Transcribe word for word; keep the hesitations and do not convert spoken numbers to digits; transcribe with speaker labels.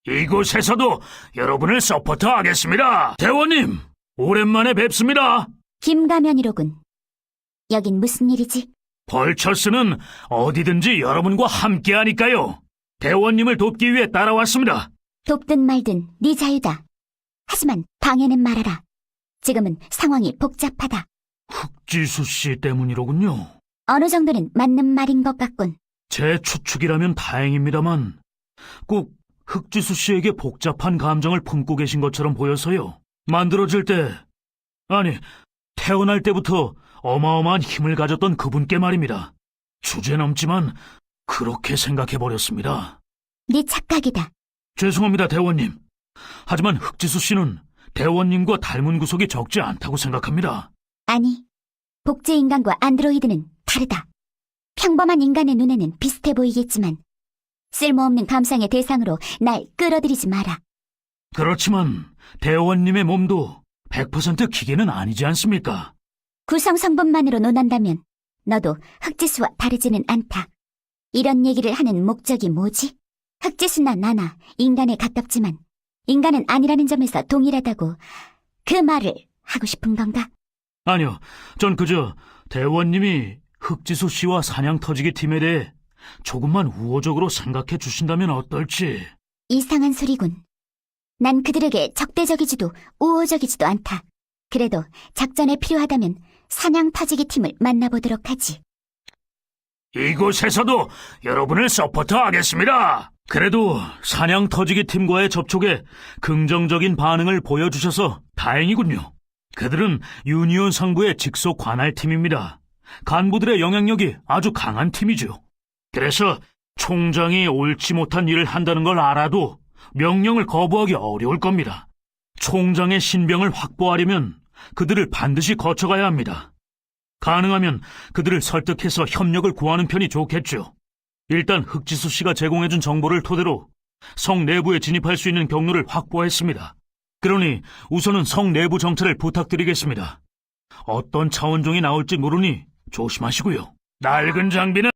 Speaker 1: 이곳에서도 여러분을 서포트하겠습니다. 대원님, 오랜만에 뵙습니다.
Speaker 2: 김가면이로군. 여긴 무슨 일이지?
Speaker 1: 벌처스는 어디든지 여러분과 함께하니까요. 대원님을 돕기 위해 따라왔습니다.
Speaker 2: 돕든 말든 네 자유다. 하지만 방해는 말아라. 지금은 상황이 복잡하다.
Speaker 1: 흑지수 씨 때문이로군요.
Speaker 2: 어느 정도는 맞는 말인 것 같군.
Speaker 1: 제 추측이라면 다행입니다만 꼭 흑지수 씨에게 복잡한 감정을 품고 계신 것처럼 보여서요. 만들어질 때, 아니, 태어날 때부터 어마어마한 힘을 가졌던 그분께 말입니다. 주제넘지만 그렇게 생각해버렸습니다.
Speaker 2: 네 착각이다.
Speaker 1: 죄송합니다, 대원님. 하지만 흑지수 씨는 대원님과 닮은 구석이 적지 않다고 생각합니다.
Speaker 2: 아니, 복제인간과 안드로이드는 다르다. 평범한 인간의 눈에는 비슷해 보이겠지만 쓸모없는 감상의 대상으로 날 끌어들이지 마라.
Speaker 1: 그렇지만 대원님의 몸도 백 퍼센트 기계는 아니지 않습니까?
Speaker 2: 구성 성분만으로 논한다면 너도 흑지수와 다르지는 않다. 이런 얘기를 하는 목적이 뭐지? 흑지수나 나나 인간에 가깝지만 인간은 아니라는 점에서 동일하다고 그 말을 하고 싶은 건가?
Speaker 1: 아니요, 전 그저 대원님이 흑지수 씨와 사냥터지기 팀에 대해 조금만 우호적으로 생각해 주신다면 어떨지.
Speaker 2: 이상한 소리군. 난 그들에게 적대적이지도 우호적이지도 않다. 그래도 작전에 필요하다면 사냥 터지기 팀을 만나보도록 하지.
Speaker 1: 이곳에서도 여러분을 서포트하겠습니다. 그래도 사냥 터지기 팀과의 접촉에 긍정적인 반응을 보여주셔서 다행이군요. 그들은 유니온 상부의 직속 관할팀입니다. 간부들의 영향력이 아주 강한 팀이죠. 그래서 총장이 옳지 못한 일을 한다는 걸 알아도 명령을 거부하기 어려울 겁니다. 총장의 신병을 확보하려면 그들을 반드시 거쳐가야 합니다. 가능하면 그들을 설득해서 협력을 구하는 편이 좋겠죠. 일단 흑지수 씨가 제공해준 정보를 토대로 성 내부에 진입할 수 있는 경로를 확보했습니다. 그러니 우선은 성 내부 정찰을 부탁드리겠습니다. 어떤 차원종이 나올지 모르니 조심하시고요. 낡은 장비는